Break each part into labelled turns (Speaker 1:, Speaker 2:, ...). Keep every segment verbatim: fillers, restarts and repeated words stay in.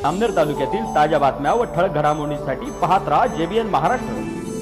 Speaker 1: अमनेर तालुक्यातील ताज्या बातम्या व ठळक घडामोडींसाठी पाहत राहा जेबीएन महाराष्ट्र।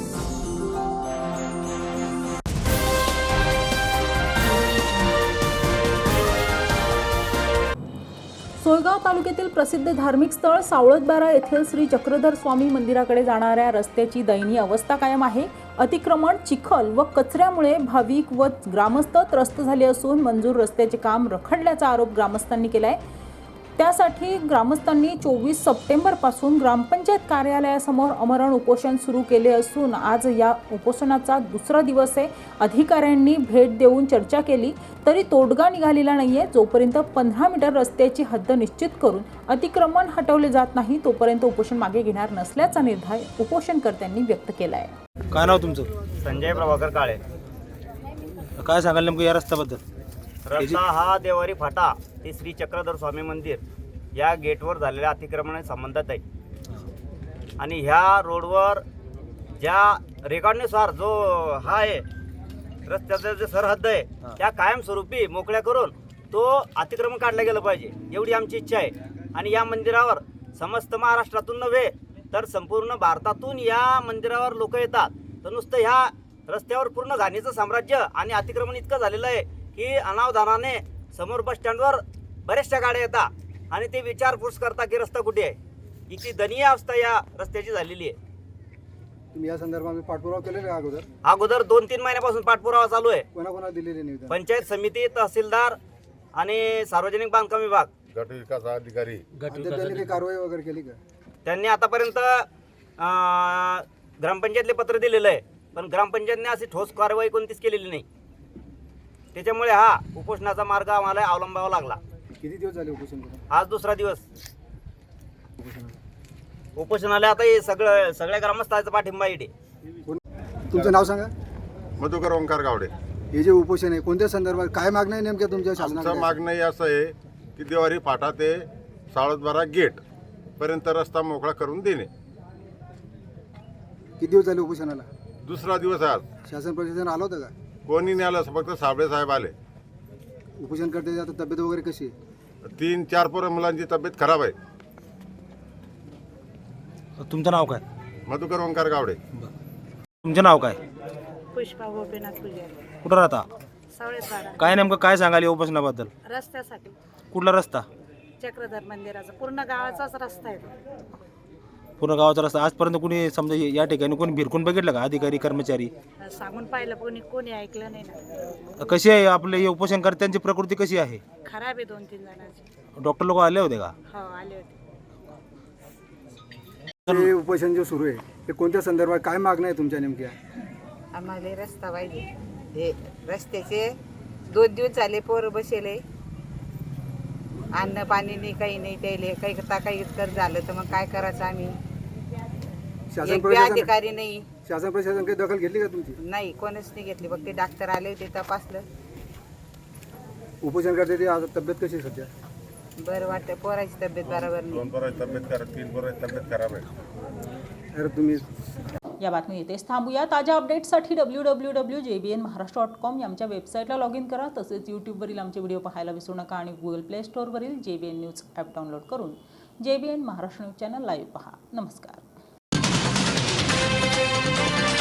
Speaker 2: सोयगाव तालुक्यातील प्रसिद्ध धार्मिक स्थळ सावळतबारा येथील श्री चक्रधर स्वामी मंदिराकडे जाणाऱ्या रस्त्याची दयनीय अवस्था कायम आहे। अतिक्रमण, चिखल व कचऱ्यामुळे भाविक व ग्रामस्थ त्रस्त झाले असून मंजूर रस्त्याचे काम रखडल्याचा आरोप ग्रामस्थांनी केलाय। त्यासाठी ग्रामस्थांनी चोवीस सप्टेंबर पासून ग्रामपंचायत कार्यालयासमोर आमरण उपोषण सुरू केले असून आज या उपोषणाचा दुसरा दिवस आहे। अधिकाऱ्यांनी भेट देऊन चर्चा केली तरी तोडगा निघालेला नाहीये। जोपर्यंत पंधरा मीटर रस्त्याची हद्द निश्चित करून अतिक्रमण हटवले जात नाही तोपर्यंत उपोषण मागे घेणार नसल्याचा निर्धार उपोषणकर्त्यांनी व्यक्त केला आहे।
Speaker 3: काय नाव तुमचं?
Speaker 4: संजय प्रभाकर काळे।
Speaker 3: काय सांगाल नेमकं या रस्त्याबद्दल?
Speaker 4: रस्ता हा देवारी फाटा ते श्री चक्रधर स्वामी मंदिर या गेटवर झालेल्या अतिक्रमणाशी संबंधित आहे आणि ह्या रोडवर ज्या रेकॉर्डनुसार जो हा आहे रस्त्याचा जे सरहद्द आहे त्या कायमस्वरूपी मोकळ्या करून तो अतिक्रमण काढलं गेलं पाहिजे एवढी आमची इच्छा आहे। आणि या मंदिरावर समस्त महाराष्ट्रातून नव्हे तर संपूर्ण भारतातून या मंदिरावर लोक येतात। तर नुसतं ह्या रस्त्यावर पूर्ण घाणीचं साम्राज्य आणि अतिक्रमण इतकं झालेलं आहे की अनावधानाने समोर बस स्टँडवर बऱ्याचशा गाड्या येतात आणि ते विचारपूस करता की रस्ता कुठे आहे। इतकी दयनीय अवस्था या रस्त्याची झालेली आहे।
Speaker 5: तुम्ही या संदर्भात पाठपुरावा केलेला आहे अगोदर?
Speaker 4: अगोदर दोन तीन महिन्यापासून पाठपुरावा चालू आहे।
Speaker 5: कोणाकोणा दिलेले निवेदन?
Speaker 4: पंचायत समिती, तहसीलदार आणि सार्वजनिक बांधकाम विभाग,
Speaker 6: गट विकास अधिकारी।
Speaker 5: त्यांनी काही कारवाई वगैरे केली का?
Speaker 4: त्यांनी आतापर्यंत ग्रामपंचायतले पत्र दिलेलं आहे पण ग्रामपंचायतने अशी ठोस कारवाई कोणतीच केलेली नाही। त्याच्यामुळे हा उपोषणाचा मार्ग आम्हाला अवलंबावा लागला।
Speaker 5: किती दिवस झाले उपोषण करून?
Speaker 4: आज दुसरा दिवस उपोषणाला। आता हे सगळं सगळ्या ग्रामस्थांचा पाठिंबा इथे।
Speaker 5: तुमचं नाव सांगा?
Speaker 6: मधुकर ओंकार गावडे।
Speaker 5: हे जे उपोषण आहे कोणत्या संदर्भात, काय मागणं आहे नेमक्या तुमच्या
Speaker 6: आमचं
Speaker 5: शासनाकडे?
Speaker 6: मागणं हे असं आहे की देवारी फाटा ते सावळतबारा गेट पर्यंत रस्ता मोकळा करून देणे।
Speaker 5: किती दिवस झाले उपोषणाला?
Speaker 6: दुसरा दिवस आहे आज।
Speaker 5: शासन प्रशासन आलं होतं का?
Speaker 6: कोणी नाही आलं, फक्त साबळे साहेब आले।
Speaker 5: उपोषण करते आता तब्येत वगैरे कशी आहे?
Speaker 6: तीन चार पोरं मुलांची तब्येत खराब आहे।
Speaker 3: तुमचं नाव काय?
Speaker 6: मधुकर ओंकार गावडे।
Speaker 3: तुमचं नाव काय?
Speaker 7: पुष्पा गोपीनाथ पुजारी,
Speaker 3: कुठं राहता?
Speaker 7: सावळेपाडा।
Speaker 3: काय नेमकं काय सांगाल या उपोषणाबद्दल?
Speaker 7: रस्त्यासाठी
Speaker 3: कुठला रस्ता?
Speaker 7: चक्रधर मंदिराचा पूर्ण गावाचाच रस्ता आहे तो।
Speaker 3: पूर्ण गावाचा रस्ता आजपर्यंत कोणी समजा या ठिकाणी कोणी भिरकून बघितलं का? अधिकारी, कर्मचारी
Speaker 7: सांगून पाहिलं कोणी कोणी ऐकलं नाही ना।
Speaker 3: कशी आहे आपले हे उपोषणकर्त्यांची प्रकृती कशी आहे?
Speaker 7: खराब आहे दोन तीन जणांची।
Speaker 3: डॉक्टर लोक आले होते का?
Speaker 7: हो आले होते।
Speaker 5: हे उपोषण जे सुरू आहे ते कोणत्या संदर्भात, काय मागणं आहे तुमच्या नेमक्या?
Speaker 8: आम्हाला रस्ता पाहिजे। हे रस्त्याचे दोन दिवस झाले पोर बसेले, अन्न पाणी नाही, काही नाही त्याले, काही करता काही कर झालं तर मग काय करायचं आम्ही?
Speaker 5: शासन
Speaker 8: एक बी
Speaker 5: प्रशासन
Speaker 8: अधिकारी नाही,
Speaker 5: शासन प्रशासन काही दखल घेतली का तुमची?
Speaker 8: नाही कोणच नाही घेतली। फक्त डॉक्टर आले होते, तपासलं।
Speaker 5: उपोषण करते ते आता तब्येत कशी आहे सध्या?
Speaker 8: बरं वाटतं, पोराची तब्येत बरोबर नाही।
Speaker 6: दोन पोरांची तब्येत खराब, तीन पोरांची तब्येत खराब आहे।
Speaker 5: अरे तुम्ही
Speaker 2: या बातमी इथेच थांबूया। ताज्या अपडेट्ससाठी W W W J B N Maharashtra dot com या आमच्या वेबसाईटला लॉग इन करा। तसेच यूट्यूबवरील आमचे व्हिडिओ पाहायला विसरू नका आणि गुगल प्ले स्टोअरवरील J B N news app download करून J B N Maharashtra news channel live पहा। नमस्कार।